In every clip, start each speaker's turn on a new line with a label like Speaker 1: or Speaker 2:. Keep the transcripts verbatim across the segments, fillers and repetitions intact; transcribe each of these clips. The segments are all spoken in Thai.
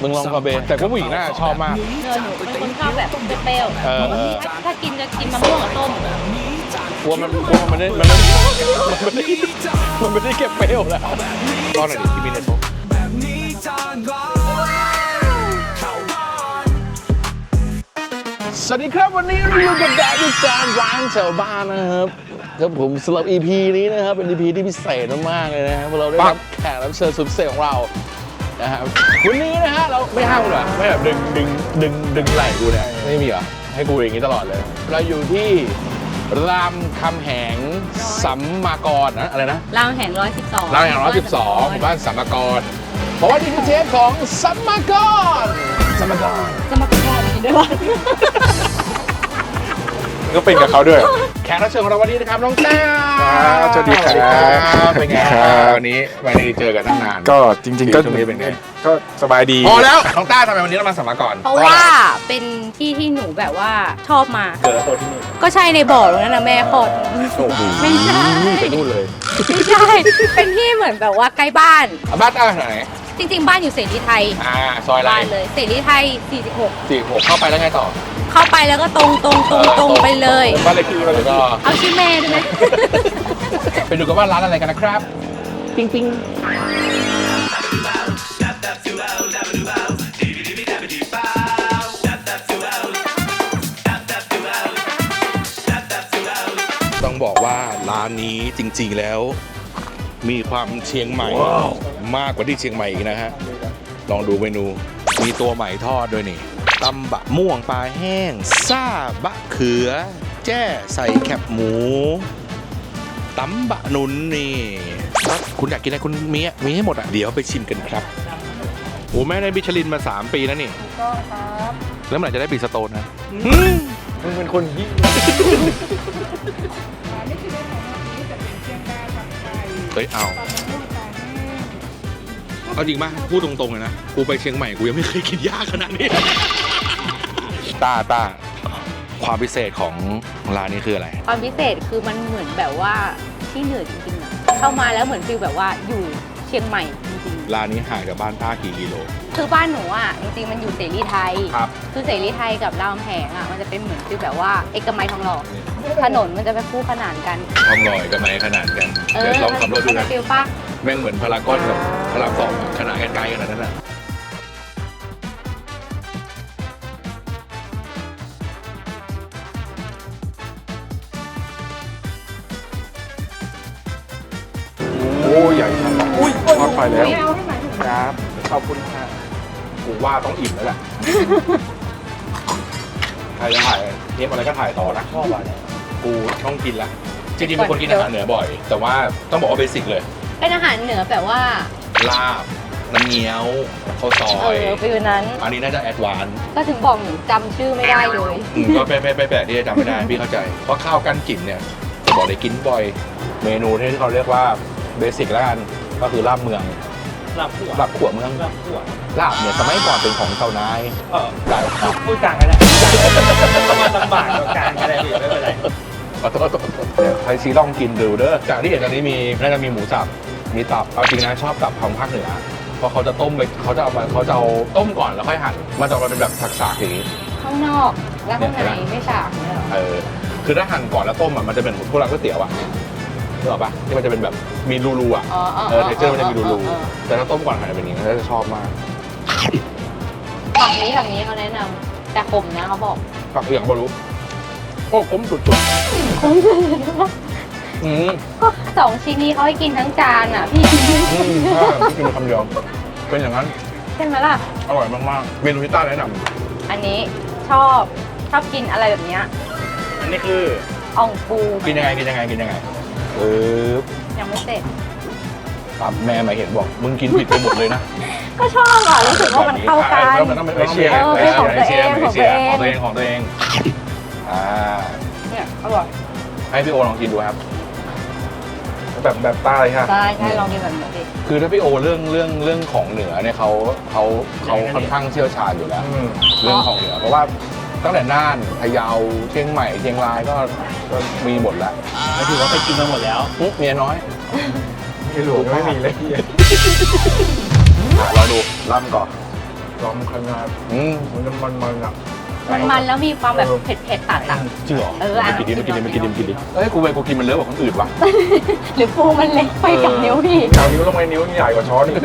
Speaker 1: มึงลองกระเบนแต่ก็ผู้หญิงน่าชอบมาก
Speaker 2: เนื้อหนูเป็นคนชอบแบบเปรี้ยว
Speaker 1: เออเออ
Speaker 2: ถ้ากินจะกินมะม่วงกับส้ม
Speaker 1: กลัวมันกลัวมันไม่ได้มันไม่มันไม่ได้มันไม่ได้เก็บเปรี้ยวแล้วตอนไหนดิที่มีในโต๊ะสวัสดีครับวันนี้เราอยู่กับแดกที่จานร้านแถวบ้านนะครับครับผมสำหรับ อี พี นี้นะครับเป็น อี พี ที่พิเศษมากๆเลยนะครับเราได้รับแขกรับเชิญสุดพิเศษของเรานะครับวันนี้นะฮะเราไม่ห้ามเหรอไม่แบบดึงดึงดึงดึงไหล่กูเนี่ยไม่มีเหรอให้กูอย่างนี้ตลอดเลยเราอยู่ที่รามคำแหงสัมมากรนะอะไรนะ
Speaker 2: รามแห่งร้อยสิบสอง
Speaker 1: รามแหงร้อยสิบสองบ้านสัมมากรเพราะว่านี่คือเทปของสัมมากรสัมมากร
Speaker 2: จะมาเป็นแค่กินได้ปะ
Speaker 1: ก็เป็นกับเขาด้วยแขกรับเชิญของเราวันนี้นะครับน้องแต้ว
Speaker 3: สวัสดีครับ
Speaker 1: เป็นไงวันนี้วันนี้เจอกันตั้งนาน
Speaker 3: ก็จริงๆก็
Speaker 1: ช่วงนี้เป็นไง
Speaker 3: ก็สบายดี
Speaker 1: พอแล้วน้องต้าทำไมวันนี้เรามาสัมมากร
Speaker 2: เพราะว่าเป็นที่ที่หนูแบบว่าชอบมา
Speaker 1: เจอตัวที่นี่
Speaker 2: ก็ใช่ในบ่อตรงนั้นนะแม่คลอด
Speaker 1: โอ้โห
Speaker 2: ไม่ใช่
Speaker 1: ไปนู่นเลย
Speaker 2: ไม่ใช่ เป็นที่เหมือนแบบว่าใกล้บ้าน
Speaker 1: บ้านต้าไหน
Speaker 2: จริงๆ บ้านอยู่เสรีไทย
Speaker 1: อ่าซอยอะไร
Speaker 2: บ้านเลยเสรีไทยสี่สิบหก
Speaker 1: สี่หกเข้าไปแล้วไงต่อ
Speaker 2: เข้าไปแล้วก็ตรงตรงตรงตรงไปเลย
Speaker 1: บ้านเลขที่แล้วก็
Speaker 2: เอาชื่อแม่ได้ไหม
Speaker 1: ไปดูกันว่าร้านอะไรกันนะครับปิ๊งปิ๊งต้องบอกว่าร้านนี้จริงๆแล้วมีความเชียงใหม่ wow. มากกว่าที่เชียงใหม่อีกนะฮะลองดูเมนูมีตัวใหม่ทอดด้วยนี่ตำบะม่วงปลาแห้งซ่าบะเขือแจ้ใส่แคบหมูตำบะหนุนนี่ถ้าคุณอยากกินอะไรคุณมีมีให้หมดอ่ะเดี๋ยวไปชิมกันครับโอ้แม่ได้มิชลินมาสามปีแล้วนี่
Speaker 2: ก็ครับ
Speaker 1: แล้วเมื่อไหร่จะได้ปีสโตนนะมึงเป็นคนยี่เฮ้ยเอาเอาจริงป่ะพูดตรงๆเลยนะกูไปเชียงใหม่กูยังไม่เคยกินยากขนาดนี้ตาตาความพิเศษของร้านนี้คืออะไร
Speaker 2: ความพิเศษคือมันเหมือนแบบว่าที่เหนือจริงๆนะเข้ามาแล้วเหมือนฟีลแบบว่าอยู่เชียงใหม่จริง
Speaker 1: ร้านนี้ห่างจากบ้านต้ากี่กิโล
Speaker 2: ๆคือบ้านหนูอ่ะจริงๆมันอยู่เสรีไทย
Speaker 1: ครับ
Speaker 2: คือเสรีไทยกับรามคำแหงอ่ะมันจะเป็นเหมือนฟีลแบบว่าเอกมัยทองหล่อถนนมันจะเป็นคู่ขนานกัน
Speaker 1: ทองลอยกับไม้ขนาดกัน
Speaker 2: เอ
Speaker 1: เดี๋
Speaker 2: อ
Speaker 1: ยวลองขับรถดู
Speaker 2: มัน
Speaker 1: นะ
Speaker 2: จะฟีลป่ะ
Speaker 1: แม่งเหมือนพารากอนกับพระรามสองขนาดกันไกลขนาดนั้นน่ะโอ้ใหญ่มากอุ้ยทอดไฟแล้วครับขอบคุณค่ะกูว่าต้องอิ่มแล้วแหละใครจะถ่ายเทปอะไรก็ถ่ายต่อนะชอบอะไรกูต้องกินละจริงๆเป็นคนกินอาหารเหนือบ่อย แต่ว่าต้องบอกว่าเบสิกเลย
Speaker 2: เป็นอาหารเหนือแบบว่า
Speaker 1: ลาบน้ำเงี้ยวข้าวซอ
Speaker 2: เอย อฟีลนั้น
Speaker 1: อันนี้น่าจะแอดวานซ์
Speaker 2: ก็ถึงบอกหนูจำชื่อไม่ได้เลย
Speaker 1: อืมก็ไม่ไม่ไม่แปลกที่จะจำไม่ได้พี่เข้าใจ เพราะข้าวกันกลิ่นเนี่ยจะบอกเลยกินบ่อย เมนูที่เขาเรียกว่าเบสิกแล้วกันก็คือลาบเมือง
Speaker 4: หลับหัว
Speaker 1: ลาบขวเมือง
Speaker 4: หลับหัว
Speaker 1: ลาบเนี่ยสมัยก่อนเป็นของเจ้านาย
Speaker 4: เออ
Speaker 1: ได้ครับ
Speaker 4: พูดกลางกันแหละต้องมาลำบากกับกลางกันเลยพี่ไม่เป็นไร
Speaker 1: ขอโทษเดี๋ยวใครซีลองกินดูเด้อจากที่เห็นตอนนี้มีน่าจะมีหมูสับมีตับเอาจริงนะชอบตับของภาคเหนือเพราะเขาจะต้มไปเขาจะเอามาเขาจะเอาต้มก่อนแล้วค่อยหั่นมันจะออกมาเป็นแบบสักๆอย่างนี้
Speaker 2: ข้างนอกและข้างในไม่ฉากเลยเหรอ
Speaker 1: เออคือถ้าหั่นก่อนแล้วต้มอ่ะมันจะเป็นพวกร้านก๋วยเตี๋ยวอ่ะนึกออกปะที่มันจะเป็นแบบมีรูๆอ่ะ
Speaker 2: อ๋อ
Speaker 1: เออเทคเจอร์มันจะมีรู
Speaker 2: เออ
Speaker 1: ๆแต่ถ้าต้มก่อนหั่นจะเป็นอย่างนี้น่าจะชอบมาก
Speaker 2: ฝั่งนี้ฝั่งนี้เขาแนะนำแต่ขมนะเขาบอก
Speaker 1: ฝักเหลืองบรู้โอ้ผมสุด
Speaker 2: ขมสุด
Speaker 1: ๆอืม
Speaker 2: ก็สองชิ้นนี้เขาให้กินทั้งจานอ่ะพี่
Speaker 1: อืมใช่ไม่กินคำเดียวเป็นอย่างนั้น
Speaker 2: ใช่ไหมล่ะ
Speaker 1: อร่อยมากๆเมนูที่ต้าแนะน
Speaker 2: อันนี้ชอบชอบกินอะไรแบบเนี้ย
Speaker 4: อันนี้คือ
Speaker 2: อ่องปู
Speaker 1: ำกินยังไงกินยังไงกินยังไงเออ
Speaker 2: ยังไม่เสร็จ
Speaker 1: ตับแม่มาเห็นบอกมึงกินผิดไปหมดเลยนะ
Speaker 2: ก็ชอบอ่ะรู้สึกว่ามันเข้ากัน
Speaker 1: เออมันต้องเป็นเชียร์
Speaker 2: เออเป็นของตัวเอง
Speaker 1: ของตัวเอง
Speaker 2: ข
Speaker 1: ข
Speaker 2: อ
Speaker 1: อง ง
Speaker 2: ตั
Speaker 1: ตัว ว
Speaker 2: เอ
Speaker 1: เอง งของตัวเองอ่า
Speaker 2: เนี่ยอร่อย
Speaker 1: ให้พี่โอลองกินดูครับ แบบแบบใต้ใช่ไหม
Speaker 2: ใช่ใช่ลองกินแบบนี้ดิ
Speaker 1: คือถ้าพี่โอเรื่องเรื่องเรื่องของเหนือเนี่ยเขาเขาเขาค่อนข้างเชี่ยวชาญอยู่แล้ว เรื่องของเหนือเพราะว่าตั้งแต่น่านพะเยาเชียงใหม่เชียงรายก็ก็มีหมดแล้ว
Speaker 4: ไม่ถือว่าไปกินมาหมดแล้ว
Speaker 1: อุ๊ยเมียน้อย
Speaker 3: ไม่รู้ไม่มีเลย
Speaker 1: อ่ะลองดูล่ำก่อน
Speaker 3: ลองขนาด
Speaker 1: อืม
Speaker 3: มันมันมันอ่ะ
Speaker 2: มันมันแล้วมีความแบบเผ็ดเผ็ดๆตัดอ่ะ
Speaker 1: จริงเหรอ
Speaker 2: เอออ่ะ
Speaker 1: มากินดิมากินดิมากินดิมากินดิเอ้ยกูไปกูกินมันเลอะกว่าคนอื่นวะ
Speaker 2: หรือปูมันเล็กไปกับ
Speaker 1: เออ
Speaker 2: นิ้วพี่
Speaker 3: ดาวนิ้วลงไปนิ้วใหญ่กว่าช้อนอีก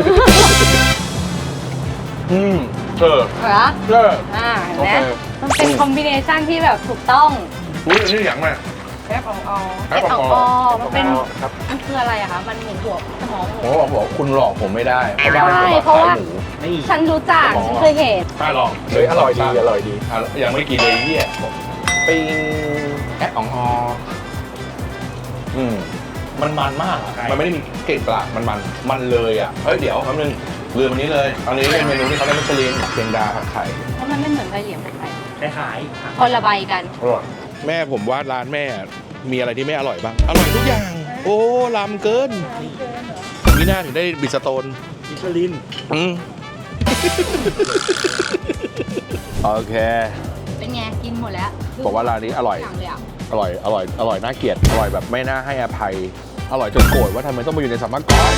Speaker 1: อืมเออ
Speaker 2: เหรอ
Speaker 1: เออ
Speaker 2: อ่าเห็น
Speaker 1: โอ
Speaker 2: ไหม
Speaker 1: เค
Speaker 2: มันเป็นคอมบิเนชันที่แบบถูกต้อง
Speaker 1: อุ้ยอันนี่อย่างไร
Speaker 2: แคบอ่องอ
Speaker 1: แคบอ่องอ
Speaker 2: มันเป็น
Speaker 3: ครับ
Speaker 2: มันคืออะไรอะคะ มันหมูหัวสมองหมู
Speaker 1: ผมบอกบอกคุณหลอกผมไม่ได้
Speaker 2: ใช่เพราะว่า
Speaker 4: นี่
Speaker 2: ฉันรู้จัก ฉันเคยเห็น
Speaker 1: ป้าลอง
Speaker 3: เฮ้ยอร่อยดีอร่อยดี
Speaker 1: อ่ะยังไม่กินเลยเหี้ยปิงแอดอ่องฮออืมมันมันมากอะมันไม่ได้มีกลิ่นปลามันมันมันเลยอ่ะเฮ้ยเดี๋ยวแป๊บนึงลืมอันนี้เลยอันนี้เป็นเมนูที่เขาได้มิชลินเชียงดาผัดไข่
Speaker 2: เพราะมันไม่เหมือนใบเหลียงใคร
Speaker 4: คล้าย
Speaker 2: คนละใบกัน
Speaker 3: อร่อย
Speaker 1: แม่ผมว่าร้านแม่มีอะไรที่ไม่อร่อยบ้าง อร่อยทุกอย่าง โอ้ลำเกินมีหน้าถึงได้บิสโตน
Speaker 4: ๆมิชลิน
Speaker 1: อืม โอเค
Speaker 2: เป็นไง กินหมดแล้ว
Speaker 1: บอกว่าร้านนี้อร่อย
Speaker 2: ทุกอย่างเลยอะ
Speaker 1: อร่อย อร่อย อร่อยน่าเกลียด อร่อยแบบไม่น่าให้อภัย อร่อยจนโกรธว่าทำไมต้องมาอยู่ในสัมภาระ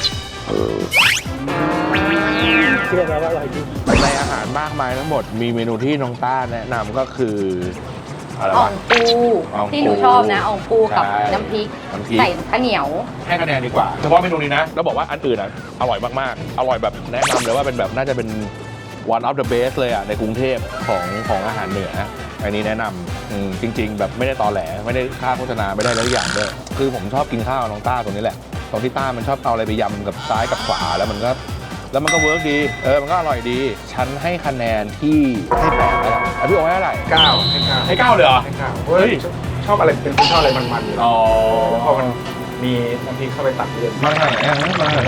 Speaker 4: เชื่อแล้วว่าอร่อยจริง
Speaker 1: ในอาหารมากมายทั้งหมด มีเมนูที่น้องต้าแนะนำก็คืออะไร
Speaker 2: อ่อ
Speaker 1: วะ
Speaker 2: งปู
Speaker 1: อ่องปู
Speaker 2: ที่หนูชอบนะอ่องปูกับ
Speaker 1: ใช่
Speaker 2: น้ำพริก
Speaker 1: น้ำพริก
Speaker 2: ใส่ข้าวเหนียว
Speaker 1: ให้คะแนนดีกว่า เฉพาะเมนูนี้นะ แล้วบอกว่าอันอื่นอ่ะ อร่อยมากๆ อร่อยแบบแนะนำเลยว่าเป็นแบบน่าจะเป็น one of the best เลยอ่ะในกรุงเทพของของอาหารเหนือ อันนี้แนะนำอืมจริง ๆ แบบไม่ได้ตอแหล ไม่ได้ค่าโฆษณาไม่ได้แล้วอย่างด้วย คือผมชอบกินข้าวกับน้องต้าตรงนี้แหละ ตรงที่ต้ามันชอบเอาอะไรไปยำกับซ้ายกับขวาแล้วมันก็ แล้วมันก็เวิร์กดี เออ มันก็อร่อยดี ฉันให้คะแนนที่ให้แปดแล้วกันอ่ะพี่โอให้เท่าไหร่
Speaker 3: เก้าให้เก้า
Speaker 1: ให้เก้าเลยเหรอ
Speaker 3: ให้เก้าเฮ้ยชอบชอบอะไรเป็นคนชอบอะไรมันๆอยู่แล้ว
Speaker 1: อ๋อ
Speaker 3: แล้วพอมันมีน้ำพริกเข้าไปตัดเลี่ยน
Speaker 1: มาหน่อยมาหน่อย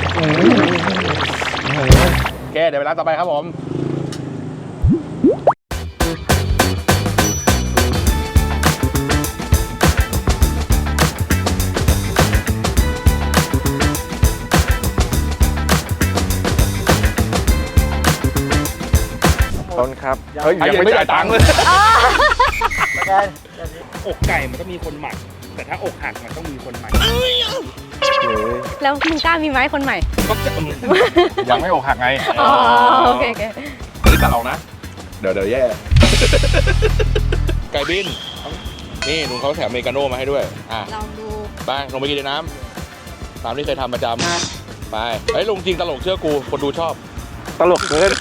Speaker 1: โอเค เดี๋ยวไปร้านต่อไปครับผม
Speaker 3: ต้นครับเฮ้ย
Speaker 1: ยั
Speaker 3: ยัง ง
Speaker 1: ไม่
Speaker 3: ไม่
Speaker 1: จ่า
Speaker 3: จ่าย ย
Speaker 1: ตั
Speaker 3: ตั
Speaker 1: ง
Speaker 3: ง
Speaker 1: ค์
Speaker 3: ค์
Speaker 1: เล
Speaker 3: เลย ย
Speaker 4: อกไก่มันก็มีคนหมัก แต่ถ้าอกหักมันต้องมีคนใหม่
Speaker 2: แล้วมึงกล้ามีไหมคนใหม่
Speaker 1: ก็จะยังไม่อกหักไง
Speaker 2: อ๋อ โอเคโอเค
Speaker 1: อันนี้ตัดออกนะ เดี๋ยวเดี๋ยวแย่ ไก่บิน นี่ลุงเขาแถมอเมริกาโน่มาให้ด้วย อ่ะ
Speaker 2: ลองดู
Speaker 1: ไปลงไปกินในน้ำตามที่เคยทำประจำไปเฮ้ยลุงจริงตลกเชื่อกู คนดูชอบ
Speaker 3: ตลกเกิน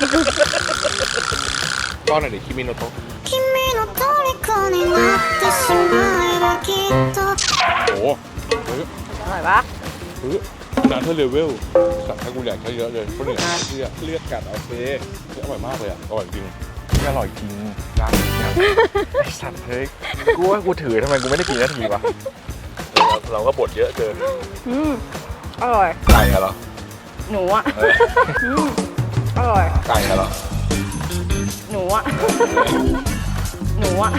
Speaker 1: ก้อนหน่อยดิคิมิโนโตะ
Speaker 5: 君の虜になってしまえばきっと
Speaker 1: โอ้โหเฮ้ย
Speaker 2: อร่อยปะ
Speaker 1: เฮ้ยน้ำเทอร์เลเวลสั่งให้กูอยากใช้เยอะเลยคนเหนือเลือกเลือกกัดเอาเซ่อร่อยมากเลยอ่ะ อร่อยจริง
Speaker 3: อร่อยจริงร้านเนี่ยไอสัตว์เฮ้ยกูว่ากูถือทำไมกูไม่ได้กินนาทีวะ
Speaker 1: เราก็บดเยอะเกิน
Speaker 2: อืมอร่อย
Speaker 1: ไก่อะเหรอ
Speaker 2: หนูอ่ะ
Speaker 1: เออ
Speaker 2: อืมอร่อย
Speaker 1: ไก่อะเหรอ
Speaker 2: หนูอ่ะ หนูอ่ะ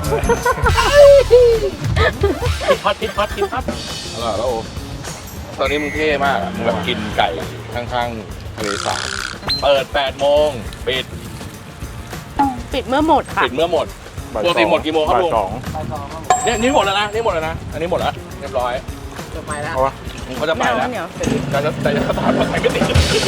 Speaker 4: พิดพัดพิดพัดพิดพัด
Speaker 1: อร่อยแล้วโอตอนนี้มึงเท่มากอะมึงแบบกินไก่ข้างๆทะเลสาบเปิดแปดโมงปิด
Speaker 2: ปิดเมื่อหมดค่ะ
Speaker 1: ปิดเมื่อหมด
Speaker 3: บ่าย
Speaker 1: ปกติหมดกี่โมงครับ
Speaker 3: บ่าย
Speaker 1: ลุง
Speaker 3: สอง
Speaker 1: เนี่ยนี่หมดแล้วนะนี่หมดแล้วนะ อันนี้หมดแล้วเรียบร้อย
Speaker 3: เอาวะ
Speaker 1: เขาจะไป
Speaker 2: ไม่เอา
Speaker 1: แล้ว
Speaker 2: ข้าวเหนียว
Speaker 1: แต่จะแต่จะสถานว่าไปไม่ติด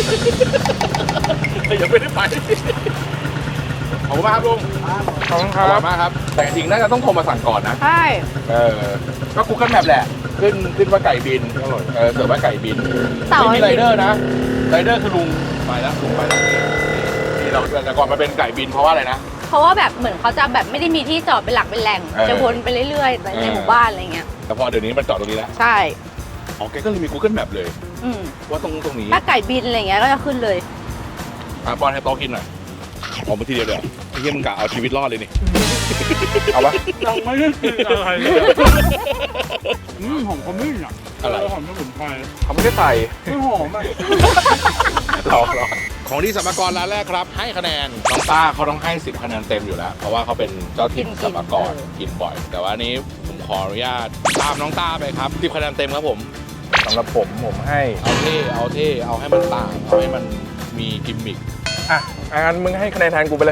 Speaker 1: แต่ยังไม่ได้ไปขอบคุณมากครับลุง
Speaker 3: ขอบคุณค
Speaker 1: ขอบ
Speaker 3: รั
Speaker 1: คุ
Speaker 3: บ
Speaker 1: ณมากครับ แต่จริงๆน่าจะต้องโทรมาสั่งก่อนนะ
Speaker 2: ใช่
Speaker 1: เออ ก็ Google Map แหละ ขึ้นขึ้นว่าไก่บินอร่อยเออเสิร์ฟว่าไก่บิน
Speaker 2: เสาร์
Speaker 1: ไม่
Speaker 2: อา
Speaker 1: มีไร
Speaker 2: ทิต
Speaker 1: เด
Speaker 2: ย์
Speaker 1: อร์นะไรเดอร์คือลุงไปแล้วลุงไปแล้วนี่เราแต่ก่อนมาเป็นไก่บินเพราะว่าอะไรนะ
Speaker 2: เพราะว่าแบบเหมือนเขาจะแบบไม่ได้มีที่จอดเป็นหลักเป็นแหล่ง
Speaker 1: เออ
Speaker 2: จะวนไปเรื่อยๆใน
Speaker 1: เออ
Speaker 2: หมู่บ้านอะไรเงี้ย
Speaker 1: แต่พอเดี๋ยวนี้มันจอดตรงนี้แล้ว
Speaker 2: ใช่
Speaker 1: อ๋อแกก็เลยมี Google Map เลย
Speaker 2: อืม
Speaker 1: ว่าตรงตรงนี้
Speaker 2: ถ้าไก่บินอะไรเงี้ยก็จะขึ้นเลย
Speaker 1: อ่ะป้อนให้โต๊ะกินหน่อยออกมาทีเดียวเดี๋ยวไอ้เหี้ยมึงกะเอาชีวิตรอดเลยนี่
Speaker 3: เอาวะ
Speaker 4: ยังไม่ได้กินอะไรเลยอืมหอมขมิ้นอ่ะ
Speaker 1: อะไร
Speaker 4: หอมสมุนไพร
Speaker 3: เขาไม่ได้ใส่
Speaker 4: ไม่หอมอ่ะ
Speaker 3: หลอกหลอก
Speaker 1: ของที่สัมภากระแรกครับ ให้คะแนนน้องต้าเขาต้องให้สิบคะแนนเต็มอยู่แล้ว เพราะว่าเขาเป็นเจ้าถิ่น
Speaker 2: กิน
Speaker 1: สัมภากระกินบ่อย แต่ว่าอันนี้ผมขออนุญาตตามน้องต้าไปครับสิบคะแนนเต็มครับผม
Speaker 3: สำหรับผมผมให้
Speaker 1: เอาเท่เอาเท่เอาให้มันต่างเอาให้มันมีกิมมิค
Speaker 3: อ่ะงั้นมึงให้คะแนนแทนกูไปเลย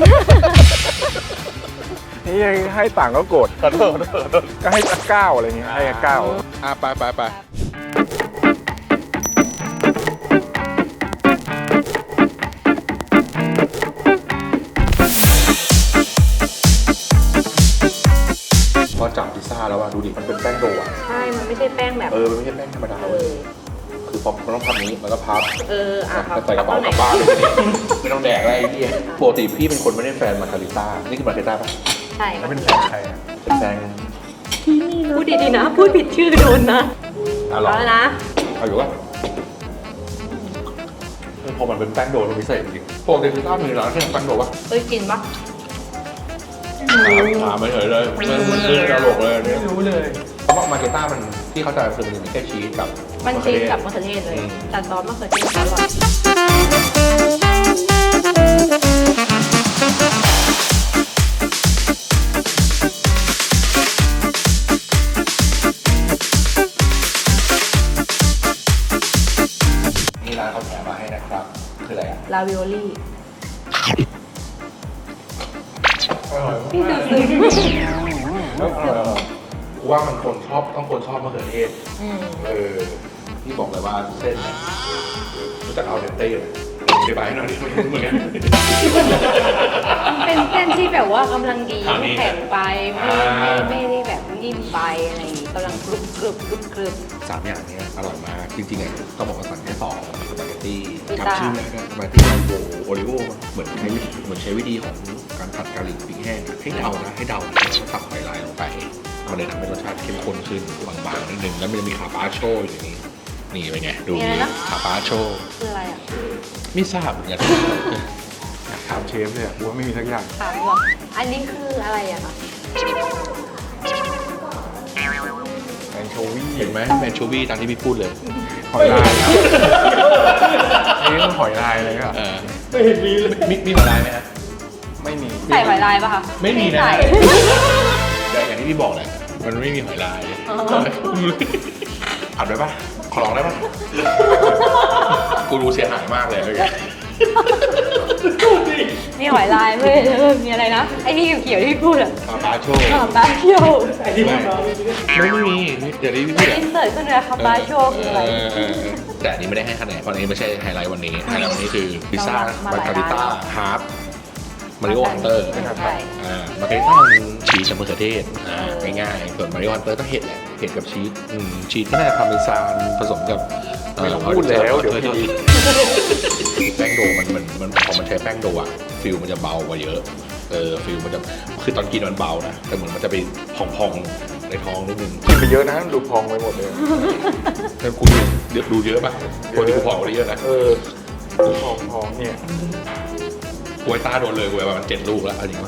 Speaker 3: นี่ให้ต่างก็โกรธ
Speaker 1: ขอโทษขอโทษ
Speaker 3: ก็ให้เก้าอะไรเงี้ยให้เก้า
Speaker 1: อ่ะไปไปไปอ่ะดูดิมันเป็นแป้งโดอ่ะ
Speaker 2: ใช่ มันไม่ใช่แป้งแบบ
Speaker 1: เออมันไม่ใช่แป้งธรรมดา
Speaker 2: เอ
Speaker 1: เลย
Speaker 2: อ
Speaker 1: คือพอมันต้องทำนี้มันก็พับ
Speaker 2: เออ อ่ะ
Speaker 1: แล้วใส่กระเป๋ากลับบ้านเลยไม่ต้องแดกอะไรไอ้เหี้ยปกติพี่เป็นคนไม่ได้แฟนมาคาริต้านี่คือมาคาริต้าปะ
Speaker 2: ใช่
Speaker 3: แล้วเป็นแฟนใครอ่ะ
Speaker 1: เป็นแฟน
Speaker 2: พูดดีๆนะ พูดผิดชื่อโดนนะ
Speaker 1: อ่ะหรอ
Speaker 2: เอาแล้วนะ
Speaker 1: เอาอยู่ก็พอมันเป็นแป้งโดมันพิเศษจริงปกติคาริต้ามีร้านที่ทำแป้งโดปะ
Speaker 2: เอ้ยกินปะ
Speaker 1: ถามไม่เฉยเลยไม่ไม่ไม่ตลกเลยเนี่ย
Speaker 3: ไม่รู้เลย
Speaker 1: เพราะว่ามาเกต้ามันที่เข้าใจคือมันมีแค่ชีสกับ
Speaker 2: มันชีสกับ
Speaker 1: มะ
Speaker 2: มะเขือเทศเลย
Speaker 1: อืม
Speaker 2: แต่ซอสมะเขือเทศอร่อย
Speaker 1: นี่ร้านเขาแถมมาให้นะครับ คืออะไรอ่ะ
Speaker 2: ลาวิโอลี่
Speaker 1: อร่อย
Speaker 2: พี่ดูซึม
Speaker 1: กูว่ามันคนชอบต้องคนชอบมะเขือเทศ
Speaker 2: อืม
Speaker 1: เออที่บอกเลยว่าเส้นเนี่ยรู้จักเอาเดนเต้เลยอธิบายให้หน่อยดิเหมือนกัน
Speaker 2: มันเป็นเส้นที่แบบว่ากำลังดี
Speaker 1: อ่านี่
Speaker 2: ไม่แข็งไป ไม่
Speaker 1: อ่า
Speaker 2: ไม่ไม่ได้แบบนิ่มไปอะไรอย่างงี้กำลังกรุบกรุบกรุบกรุบ
Speaker 1: สามอย่างเนี้อร่อยมาก จริงๆอ่ะต้องบอกว่าสั่งแค่สองมีสปาเกตตี้
Speaker 2: พิซ
Speaker 1: กับ
Speaker 2: ซ่า
Speaker 1: ชื่อเลยด้วยสปาเกตตี้โอโอริโอเหมือนใช้วิธีเหมือนใช้วิธีของการผัดกะหรี่พริกแห้งให้เดานะให้เดาแล้วก็ตักหอยลายลงไปมันเลยทำให้รสชาติเข้มข้นขึ้นบางๆนิดนึงแล้วมันจะมีคาปาโชอยู่ในนี้นี่เป็นไงดู
Speaker 2: มีอะไรนะ
Speaker 1: คาปาโช
Speaker 2: คืออะไรอ่ะ
Speaker 1: ไม่ทราบเหมือนกัน
Speaker 3: ถามเชฟเลยอะกูว่าไม่มีสักอย่าง
Speaker 2: ถามดีกว่าอันนี้คืออะไรอะคะ
Speaker 3: แอนโชวี่
Speaker 1: เห็นไหมแมนชูบี้ตามที่พี่พูดเลย
Speaker 3: หอยลายครับนี่มันหอยลายอะไรอ่ะ
Speaker 1: เออไม่เห็นมีเลยมีมีหอยลายไหมฮะ
Speaker 3: ไม่มี
Speaker 2: ใส่หอยลายปะคะ
Speaker 1: ไม่มีนะ
Speaker 2: ใส่
Speaker 1: แต่อย่างที่พี่บอกแหละมันไม่มีหอยลาย
Speaker 2: อ๋อ
Speaker 1: อัดได้ปะขอร้องได้ปะกูรู้เสียหายมากเลยเมื่อกี้
Speaker 2: นี่หอยลายเว้ยแล้วมีอะไรนะ ไอ้ที่เขียวๆที่พี่พูดอะ
Speaker 1: คาปาโชว์
Speaker 2: คาปาโช
Speaker 1: ไม่ไม่มีเดี๋ยวนี้พี่พูด
Speaker 2: อินเสิร์ตขึ้นเลยคาปาโชคืออะไร
Speaker 1: เเออเออแต่อันนี้ไม่ได้ให้คะแนนเพราะอันนี้ไม่ใช่ไฮไลท์วันนี้ไฮไลท์วันนี้คือพิซซ่า
Speaker 2: มา
Speaker 1: มา
Speaker 2: หลาย
Speaker 1: การิต้า
Speaker 2: ร้าน
Speaker 1: ฮาร์ปมาริโอฮันเตอร์
Speaker 2: ใช่
Speaker 1: อ่ามาการิต้ามันชีสกับมะเขือเทศอ่าง่ายๆส่วนมาริโอฮันเตอร์ก็เห็ดแหละเห็ดกับชีสอืมชีสก็น่าจะพาเมซานผสมกับเ
Speaker 3: ไม่ต้องพูดแล้วเดี๋ยวผิด
Speaker 1: แป้งโดมันมันมันพอมันใช้แป้งโดอะฟิลมันจะเบากว่าเยอะเออฟิลมันจะคือตอนกินมันเบานะแต่เหมือนมันจะไปพองๆในท้องนิดนึง
Speaker 3: กินไปเยอะนะดูพองไปหมดเลย
Speaker 1: แต่กูดูดูเยอะป่ะคนที่กูพองกว่านี้เยอะนะ
Speaker 3: เออดูพองพองเนี่ย
Speaker 1: กล้วยตาโดนเลยกล้วยประมาณเจ็ดลูกแล้วเอาจริงป่ะ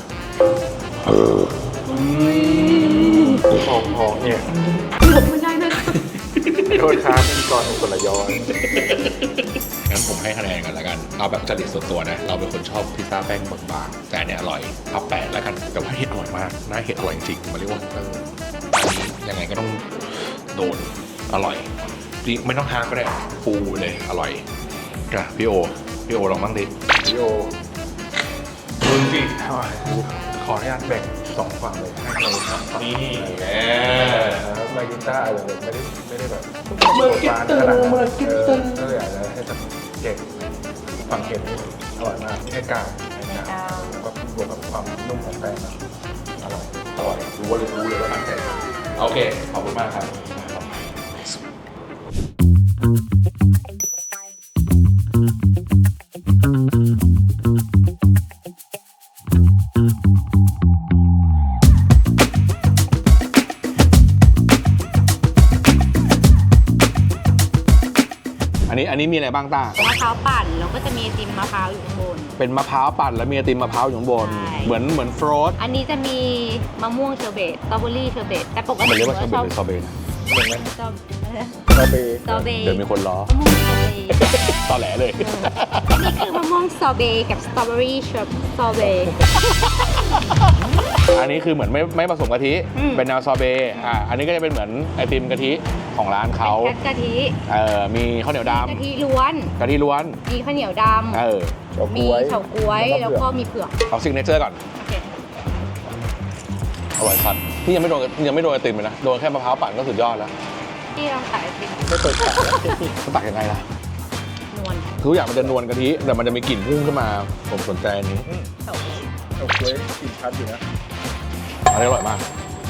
Speaker 3: ดูพองพองเนี่ย
Speaker 2: หลบไม่ได้นะ
Speaker 3: โทษครับพิธีกรเป็นคนละย้อน
Speaker 1: งั้นผมให้คะแนนกันละกันเอาแบบจริตส่วนตัวนะเราเป็นคนชอบพิซซ่าแป้งบางๆแต่อันเนี้ยอร่อยเอาแปดแล้วกันแต่ว่าเห็ดอร่อยมากน่าเห็ดอร่อยจริงๆมาเรียกว่าเอออันนี้ยังไงก็ต้องโดนอร่อยจริงไม่ต้องฮาร์ดก็ได้ฟูเลยอร่อยจ้ะพี่โอพี่โอลองบ้างดิ
Speaker 3: วิโอ
Speaker 1: มึงสิ
Speaker 3: ขออนุญาตแบ่งสองฝั่งเลยให้เราทำ
Speaker 1: นี่แหม
Speaker 3: มากินต้าอาจจะแบบไม่ได้ไม่ได้แบบเมื่อกินตื่นเมื่อกินตื่นก็เลยอาจจะให้แบบเก่งฝั่งเค็มนี่อร่อยมากให้กลางให้กลางแล้วก็บวกกับความนุ่มของแป้งอะอร่อย
Speaker 1: อร่อยรู้ว่ารู้เลยว่าตั้งใจโอเคขอบคุณมากครับ อันนี้อันนี้มีอะไรบ้างต้าม
Speaker 2: ะพร้าวปั่นแล้วก็จะมีไอติมมะพร้าวอยู่ข้างบน
Speaker 1: เป็นมะพร้าวปั่นแล้วมีไอติมมะพร้าวอยู่ข้างบน
Speaker 2: ใช่
Speaker 1: เหมือนเหมือนโฟรส
Speaker 2: อันนี้จะมีมะม่วงเชอร์เบตสตรอเบอรี่เชอร์เบตแต่ปก
Speaker 1: มัน
Speaker 2: ติ
Speaker 1: เรียกว่า
Speaker 2: ห
Speaker 1: ชา
Speaker 2: นู
Speaker 1: เบตหรือซอเบต์นะ
Speaker 3: เหมือนไหม
Speaker 2: ชอบ
Speaker 3: ซาเบ
Speaker 2: สตรอเบ
Speaker 1: เดี๋ยวมีคนล้อ
Speaker 2: มะม่วงสตรอเบย์
Speaker 1: ตอแหลเลย
Speaker 2: นี่คือมะม่วงสตรอเบย์กับสตรอเบอรี่เชอร์สตรอเบย์
Speaker 1: อันนี้คือเหมือนไม่ไม่ผสมกะทิ
Speaker 2: อืม
Speaker 1: เป็นแนวซอเบต์อ่าอันนี้ก็จะเป็นเหมือนไอติมกะทิของร้านเขา
Speaker 2: แคทกะทิ
Speaker 1: เอ่อมีข้าวเหนียวด
Speaker 2: กะทิล้วน
Speaker 1: ำกะทิล้วน
Speaker 2: มีข้าวเหนียวด
Speaker 1: เออ
Speaker 3: เฉา
Speaker 2: ำ
Speaker 3: ก๊
Speaker 2: มี
Speaker 3: วย
Speaker 2: เฉาก๊วย แล้วก็มีเผือก
Speaker 1: เอาซิกเนเจอร์ก่อน
Speaker 2: โอเค
Speaker 1: อร่อยสัตว์พี่ยังไม่โดนยังไม่โดนไอติมเลยนะ โดนแค่มะพร้าวปั่นก็สุดยอดแล้ว
Speaker 2: ที่เราขายไอติม
Speaker 3: ไม่เคยขาย
Speaker 1: จะตักยังไงล่ะ
Speaker 2: นวล
Speaker 1: คือทุกอย่างมันจะนวลกะทิ แต่มันจะมีกลิ่นพุ่งขึ้นมา ผมสนใจอันนี้
Speaker 2: เฉาก๊วย
Speaker 3: เฉาก๊วยกลิ่นชัดอยู่นะ
Speaker 1: อันนี้อร่อยมาก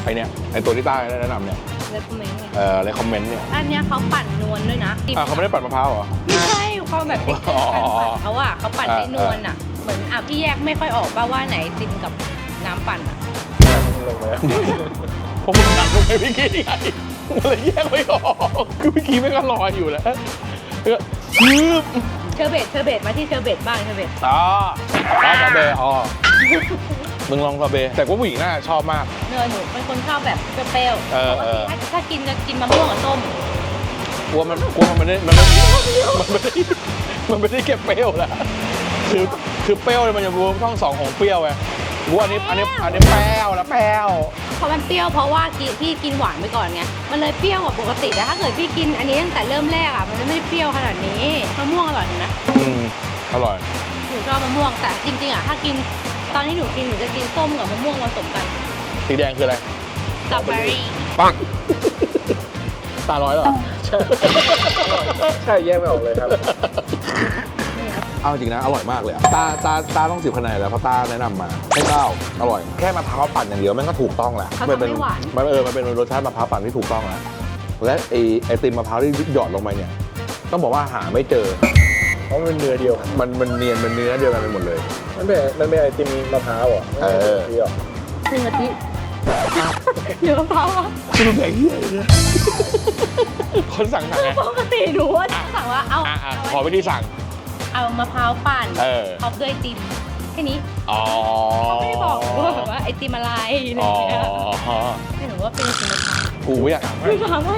Speaker 1: ไอเนี่ยไอตัวที่ต้าแนะนำเนี่ย
Speaker 2: เลยคอมเมนต์ไง
Speaker 1: เออเลยคอมเมนต์เนี่ย
Speaker 2: อันเนี้ยเขาปั่นนวลด้วยนะ
Speaker 1: อ่ะเขาไม่ได้ปั่นมะพร้าวเหรอ
Speaker 2: ไม่ใช่เขาแบบเด็กๆ
Speaker 1: อ๋อ
Speaker 2: ปั่นเขาอะเขาปั่นได้นวลอะเหมือนอ่ะพี่แยกไม่ค่อยออกป่าว่าไหนไอติมกับน้ำปั่นอะ
Speaker 3: ลงไปแล้ว
Speaker 1: เพราะมึงหนักลงไปพี่กี้ไงมันเลยแยกไม่ออกคือพี่กี้ไม่ก็ลอยอยู่แล้วแล้วก็ยืบ
Speaker 2: เชอร์เบตเชอร์เบตมาที่เชอร์เบตบ้างเชอร์เบต
Speaker 1: อ๋ออ๋อซาเบอ๋อมึงลองซาเบแต่ว่าผู้หญิงน่าชอบมาก
Speaker 2: เนยหนูเป็นคนชอบแบบเปรี้ยวๆ
Speaker 1: เออ
Speaker 2: ปก
Speaker 1: เอ
Speaker 2: ติ
Speaker 1: อ
Speaker 2: ถ้าถ้ากินจะกินมะม่วงกับส้ม
Speaker 1: กลัวมันกลัวมันไม่ได้มันไม่มันไม่ได้มันไม่ได้เก็บเปรี้ยวแล้วคือคือเปรี้ยวมันจะรวมช่องสองของเปรี้ยวไงกูว่าอันนี้อันนี้อันนี้แป้วแล้วแป้ว
Speaker 2: เพราะมันเปรี้ยวเพราะว่ากินพี่กินหวานไปก่อนไง มันเลยเปรี้ยวกว่าปกติแต่ถ้าเกิดพี่กินอันนี้ตั้งแต่เริ่มแรกอ่ะมันจะไม่เปรี้ยวขนาดนี้มะม่วงอร่อยนะ
Speaker 1: อืมอร่อย
Speaker 2: หนูชอบมะม่วงแต่จริงๆอ่ะถ้ากินตอนที่หนูกินหนูจะกินส้มกับมะม่วงผสมกัน
Speaker 1: สีแดงคืออะไร
Speaker 2: สตรอเบอรี่
Speaker 1: ปังตาร้อยเหรอ
Speaker 3: ใช่แยกไม่ออกเลยครับ
Speaker 1: เอาจริงนะอร่อยมากเลยอะตาตาตาต้องสิบคะแนนแล้วเพราะตาแนะนำมาให้เก้าอร่อย แค่มะพร้าวปั่นอย่างเดียวแม่งก็ถูกต้องแล้ว
Speaker 2: เขา
Speaker 1: มั
Speaker 2: ทำ
Speaker 1: เป็น
Speaker 2: ไม่หวาน
Speaker 1: มันเออมันเป็นรสชาติมะพร้าวปั่นที่ถูกต้องแล้วและไอไอติมมะพร้าวที่หยอดลงไปเนี่ยต้องบอกว่าหาไม่เจอ
Speaker 3: เพราะมันเป็นเนื้อเดียว
Speaker 1: มันมันเนียนมันเนื้อเดียวกันไปหมดเลย
Speaker 3: มันเป็นมันเป็นไอติมมะพร้าวเหรอ
Speaker 1: เออ
Speaker 3: เดียว
Speaker 2: หนึ่งอาทิตย์เดี๋ยวมะพร้าวอะ
Speaker 1: คุณดูแข็งเหี้ยเลย คนสั่งสั่งไง
Speaker 2: ปกติหนูว่าจะสั่งว่าเอา
Speaker 1: อ่ะอ่ะ
Speaker 2: เอา
Speaker 1: ขอวิธีสั่ง
Speaker 2: เอามะพร้าวปั่น
Speaker 1: เออ
Speaker 2: ท็อปด้วยไอติมแค่นี้
Speaker 1: อ๋อ
Speaker 2: เขาไม่ได้บอกว่าแบบว่าไอติมอะไรอะไร
Speaker 1: อ๋อ
Speaker 2: อย่างเงี้ยให้หนูว่าเป็นไอติมมะพร้าว
Speaker 1: กูไม่อยากถาม
Speaker 2: ไม่ถามว่า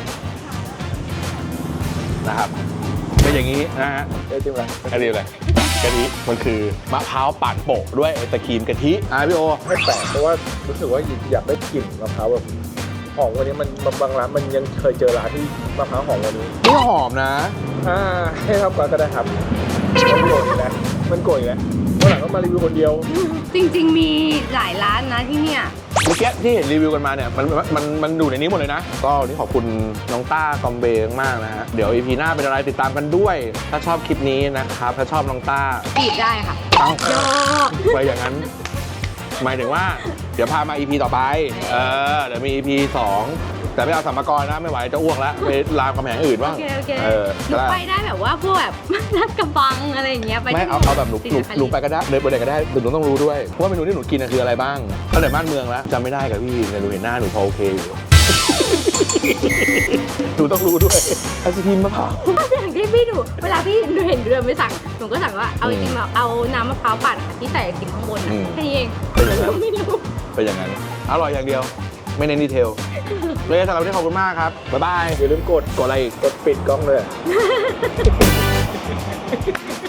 Speaker 1: นะครับเป็นอย่างนี้นะฮะ
Speaker 3: ไอติมอะไร
Speaker 1: กะทิอะไรกะทิมันคือมะพร้าวปั่นโปะด้วยไอตะครีมกะทิอ่ะพี่โอ
Speaker 3: ไม่แปลกเพราะว่ารู้สึกว่าอยากได้กลิ่นมะพร้าวแบบหอมกวันนี้มันบางร้านมันยังเคยเจอร้านที่มะพร้าวหอมกวันนี้
Speaker 1: นี่หอมนะ
Speaker 3: อ่าให้ทำก่อนก็ได้ครับมันโกรธอีกแล้วมันโกรธอีกแล้ววันหลังก็มารีวิวคนเดียว
Speaker 2: จริงๆมีหลายร้านนะที่เนี่ย
Speaker 1: เมื่อกี้ที่เห็นรีวิวกันมาเนี่ยมันมันมันอยู่ในนี้หมดเลยนะ ก็วันนี้ขอบคุณน้องต้ากอมเบงมากนะฮะเดี๋ยว อี พี หน้าเป็นอะไรติดตามกันด้วย ถ้าชอบคลิปนี้นะครับถ้าชอบน้องต้า
Speaker 2: ปีบได้ค่ะ
Speaker 1: เอ้า
Speaker 2: โยก
Speaker 1: ไปอย่างนั้น หมายถึงว่า เดี๋ยวพามา อี พี ต่อไป เออ เดี๋ยวมี อี พี สอง แต่ไม่เอาสัมภากรนะ ไม่ไหวจะอ้วกแล้ว ไปรามคำแหงอื่น
Speaker 2: โอ
Speaker 1: บ้าง
Speaker 2: เคโอเค
Speaker 1: เออ
Speaker 2: หนู
Speaker 1: ก็ได้
Speaker 2: ไปได้แบบว่าพวกแบบ ลาดกระบังอะไรอย่างเงี้ยไป
Speaker 1: ไม่
Speaker 2: ที่
Speaker 1: เอาเอาแบบหนูหนู
Speaker 2: ศรีนครินทร์
Speaker 1: หนูไปก็ได้เดินไปไหนก็ได้แต่หนูต้องรู้ด้วยว่าเมนูที่หนูกินน่ะคืออะไรบ้างตั้งแต่บ้านเมืองแล้วจำไม่ได้กับพี่แต่หนูเห็นหน้าหนูพอโอเคอยู่ หนูต้องรู้ด้วยไอศครีมมะพร้าว
Speaker 2: อย่างที่พี่หนูเวลาพี่หนูเห็นเดินไปสั่งหนูก็สั่งว่าเอาไอติมมาเอาน้ำมะพร้าวปั่นค่ะที่ใส่ไอติมข้างบน
Speaker 1: อื
Speaker 2: อะ
Speaker 1: ม
Speaker 2: แค่นี้เอง
Speaker 1: เป็นอย่างนั้น
Speaker 2: ไม่รู้
Speaker 1: เป็นอย่างนั้นอร่อยอย่างเดียว ไม่เน้นดีเทลเลยสำหรับวันนี้ขอบคุณมากครับบ๊ายบาย
Speaker 3: อย่าลืมกด
Speaker 1: กดอะไรอีก
Speaker 3: กดปิดกล้องเลย
Speaker 2: ไ